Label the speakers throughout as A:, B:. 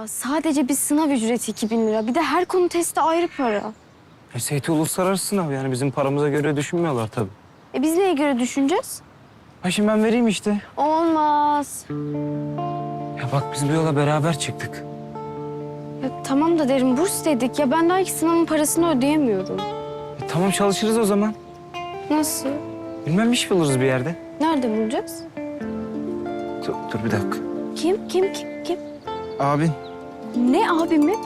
A: sadece bir sınav ücreti 2.000 lira. Bir de her konu testi ayrı para.
B: SAT uluslararası sınav yani bizim paramıza göre düşünmüyorlar tabii.
A: Biz neye göre düşüneceğiz?
B: Ha şimdi ben vereyim işte.
A: Olmaz.
B: Ya bak biz bu yola beraber çıktık.
A: Ya, tamam da derim burs dedik. Ya ben daha ilk sınavın parasını ödeyemiyorum.
B: Tamam çalışırız o zaman.
A: Nasıl?
B: Bilmem iş buluruz bir yerde.
A: Nerede bulacağız?
B: Dur bir dakika.
A: Kim?
B: Abin.
A: Ne abi mi?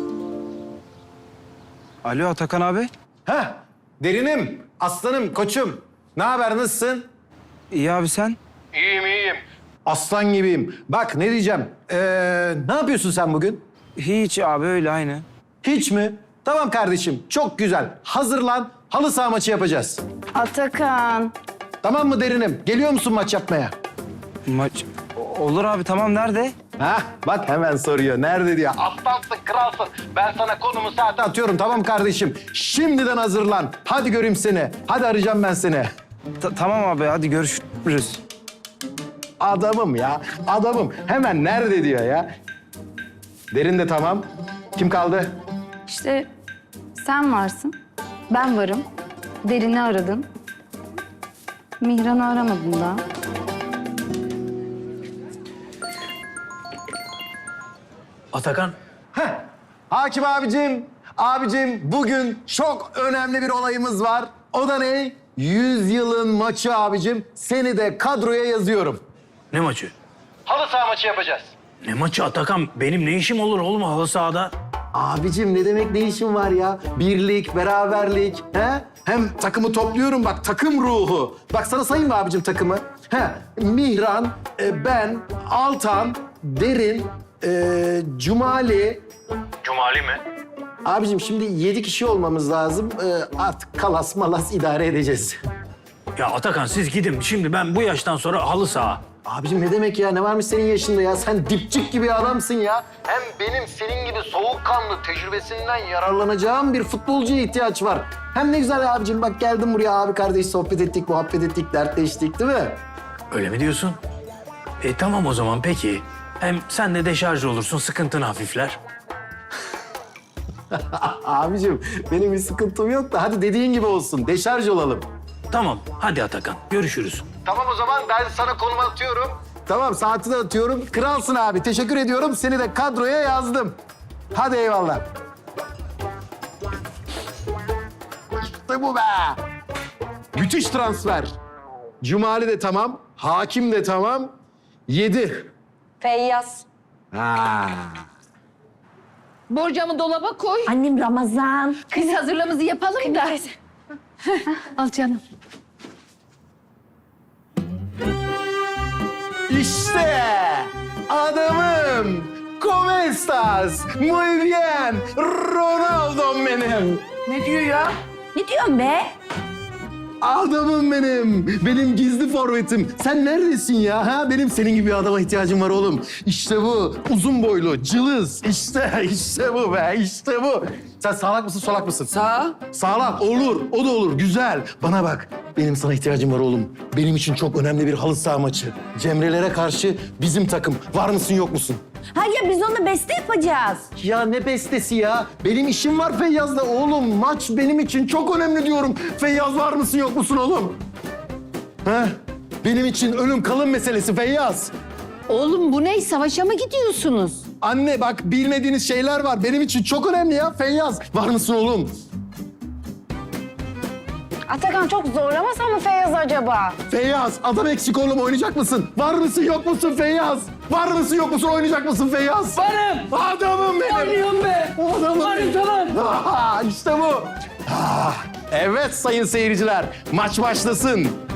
B: Alo Atakan abi.
C: Heh, Derinim, aslanım, koçum. Ne haber, nasılsın?
B: İyi abi sen?
C: İyiyim. Aslan gibiyim. Bak ne diyeceğim. Ne yapıyorsun sen bugün?
B: Hiç abi öyle aynı.
C: Hiç mi? Tamam kardeşim, çok güzel. Hazırlan, halı saha maçı yapacağız.
A: Atakan.
C: Tamam mı Derinim? Geliyor musun maç yapmaya?
B: Maç olur abi tamam nerede?
C: Hah, bak hemen soruyor. Nerede diyor. Aslansın, kralsın. Ben sana konumu saate atıyorum, tamam kardeşim. Şimdiden hazırlan. Hadi göreyim seni. Hadi arayacağım ben seni.
B: Tamam abi hadi görüşürüz.
C: Adamım ya, adamım. Hemen nerede diyor ya. Derin de tamam. Kim kaldı?
D: İşte sen varsın, ben varım. Derin'i aradın. Mihran'ı aramadın daha.
E: Atakan.
C: Heh. Hakim abicim, bugün çok önemli bir olayımız var. O da ne? 100 yılın maçı abicim. Seni de kadroya yazıyorum.
E: Ne maçı?
C: Halı saha maçı yapacağız.
E: Ne maçı Atakan? Benim ne işim olur oğlum halı sahada?
C: Abicim ne demek ne işin var ya? Birlik, beraberlik. He? Hem takımı topluyorum bak takım ruhu. Bak sana sayayım mı abicim takımı? Mihran, ben, Altan, Derin, Cumali.
E: Cumali mi?
C: Abicim şimdi 7 kişi olmamız lazım. Artık kalas malas idare edeceğiz.
E: Ya Atakan siz gidin. Şimdi ben bu yaştan sonra halı saha.
C: Abicim ne demek ya? Ne varmış senin yaşında ya? Sen dipçik gibi adamsın ya. Hem benim senin gibi soğukkanlı tecrübesinden yararlanacağım bir futbolcuya ihtiyaç var. Hem ne güzel abicim bak geldim buraya abi kardeş sohbet ettik, muhabbet ettik, dertleştik değil mi?
E: Öyle mi diyorsun? Tamam o zaman peki. Hem sen de deşarj olursun, sıkıntını hafifler.
C: Abicim benim bir sıkıntım yok da hadi dediğin gibi olsun. Deşarj olalım.
E: Tamam, hadi Atakan. Görüşürüz.
C: Tamam o zaman ben sana konumu atıyorum. Tamam saati de atıyorum. Kralsın abi. Teşekkür ediyorum. Seni de kadroya yazdım. Hadi eyvallah. İşte bu be. Müthiş transfer. Cumali de tamam. Hakim de tamam. 7.
F: Feyyaz.
C: Ha.
F: Borcamı dolaba koy.
D: Annem Ramazan.
F: Biz hazırlığımızı yapalım da. Al canım.
C: İşte adamım. ¿Cómo estás? Muy bien. Ronaldo'm benim.
F: Ne diyor ya?
D: Ne diyorsun be?
C: Adamım benim. Benim gizli forvetim. Sen neredesin ya? Ha? Benim senin gibi bir adama ihtiyacım var oğlum. İşte bu. Uzun boylu, cılız. İşte bu be. İşte bu. Sen sağlak mısın, solak mısın?
F: Sağ.
C: Sağlak. Olur. O da olur. Güzel. Bana bak. Benim sana ihtiyacım var oğlum. Benim için çok önemli bir halı saha maçı. Cemrelere karşı bizim takım. Var mısın, yok musun?
D: Ha ya biz onunla beste yapacağız.
C: Ya ne bestesi ya? Benim işim var Feyyaz'la oğlum. Maç benim için çok önemli diyorum. Feyyaz var mısın yok musun oğlum? He? Benim için ölüm kalım meselesi Feyyaz.
F: Oğlum bu ne? Savaşa mı gidiyorsunuz?
C: Anne bak bilmediğiniz şeyler var. Benim için çok önemli ya Feyyaz. Var mısın oğlum?
A: Atakan çok zorlamasan mı Feyyaz acaba?
C: Feyyaz adam eksik oğlum oynayacak mısın? Var mısın yok musun Feyyaz? Var mısın yok musun oynayacak mısın Feyyaz?
E: Varım.
C: Adamım benim.
E: Oynuyorum be.
C: Adamım
E: Varım
C: benim.
E: tamam.
C: İşte bu. Evet sayın seyirciler maç başlasın.